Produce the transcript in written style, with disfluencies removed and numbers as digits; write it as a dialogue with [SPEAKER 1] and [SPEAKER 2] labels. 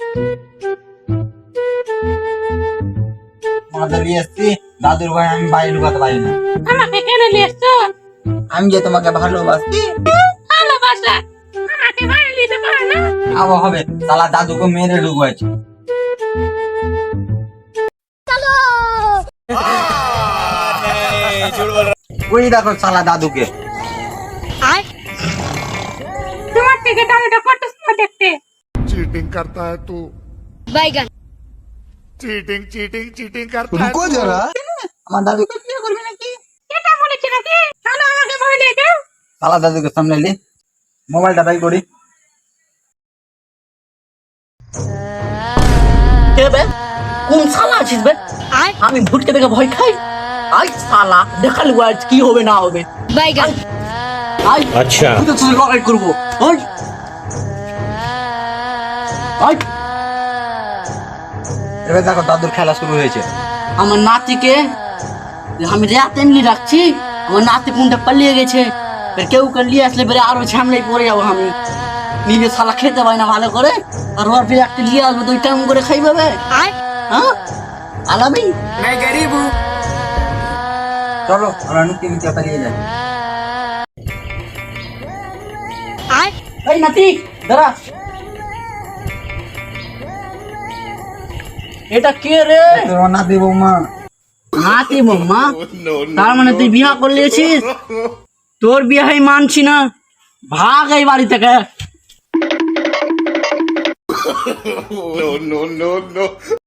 [SPEAKER 1] তোমাদের নিয়ে এসছি, দাদুর ভাই আমি বাইরে ঢুকাতে পারি না।
[SPEAKER 2] আমাকে কেন নিয়ে এসছো?
[SPEAKER 1] আমি যে তোমাকে ভালোবাসি।
[SPEAKER 2] ভালোবাসা আমাকে বাইরে নিতে পারে না।
[SPEAKER 1] আবো হবে, শালা দাদুকে মেরে ঢুকাইছে। ওই দেখো শালা দাদুকে।
[SPEAKER 2] তোমার থেকে দাদুটা কত সুন্দর দেখতে।
[SPEAKER 3] चीटिंग करता है तू
[SPEAKER 4] बैगन
[SPEAKER 3] चीटिंग चीटिंग चीटिंग करता है
[SPEAKER 5] रुको
[SPEAKER 3] तू।
[SPEAKER 5] जरा।
[SPEAKER 1] আমার দাদুকে বিয়ে করবে নাকি?
[SPEAKER 2] এটা বলেছি নাকি? চলো আমাকে বলে দাও।
[SPEAKER 1] শালা দাদুকে সামনে লি, মোবাইলটা বাই করি।
[SPEAKER 6] কে বে? কোন শালা আছিস বে? আমি ভুটকে দেখে ভয় খাই। আই শালা দেখালি আজ কি হবে না হবে।
[SPEAKER 4] बैगन
[SPEAKER 6] আই আচ্ছা তুই তো তুই লড়াই করবো। ওই আই
[SPEAKER 1] এবার দেখো দাদুর খেলা শুরু হয়েছে।
[SPEAKER 6] আমার নাতিকে আমি রাত এমনি রাখছি, আমার নাতি কোনটা পালিয়ে গেছে। এবার কেউ নিয়ে আসলে বেরে আরো ঝামেলায় পড়ে যাবো আমি। নিজে শালা খেতে পাই না ভালো করে, আর ওর ফিরে একটা নিয়ে আসবে দুই টাইম করে খাই পাবে। হ্যাঁ আলামি
[SPEAKER 1] চলো আমরা নুকি নুকি পালিয়ে যাই।
[SPEAKER 6] এই নাতি দাঁড়া, এটা কে রে?
[SPEAKER 1] তোমার নাতি বৌমা।
[SPEAKER 6] নাতি বৌমা? তার মানে তুই বিয়া করলিয়েছিস? তোর বিয়ে মানছি না, ভাগ এই বাড়ি থেকে।
[SPEAKER 3] No, no, no, no.